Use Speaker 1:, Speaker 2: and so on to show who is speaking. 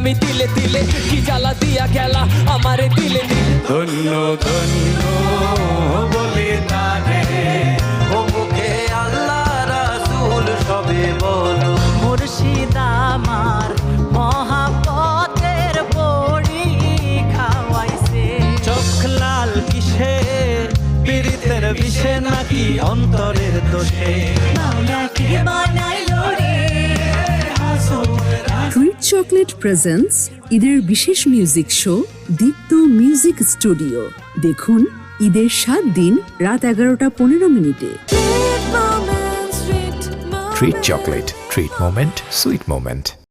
Speaker 1: আমি তিলে তিলে, কি জ্বালা দিয়া গেলা আমারে দিলে দিলে।
Speaker 2: ধন্য ধন্য বলে তারে ও মুখে আল্লাহ রাসূল সবে বলো।
Speaker 3: মুর্শিদ আমার মহাপতের বড়ি খাওয়াইছে।
Speaker 2: চোখ লাল কিসে পীড়িতের বিষে নাকি অন্তরের দোষে।
Speaker 3: মাওলাকে বানাইলো রে হাসুর।
Speaker 4: ট্রিট চকলেট প্রেজেন্টস ঈদের বিশেষ music show Deepto music studio. দেখুন ঈদের 7 দিন রাত 11:15।
Speaker 5: Treat chocolate. Treat moment. Sweet moment.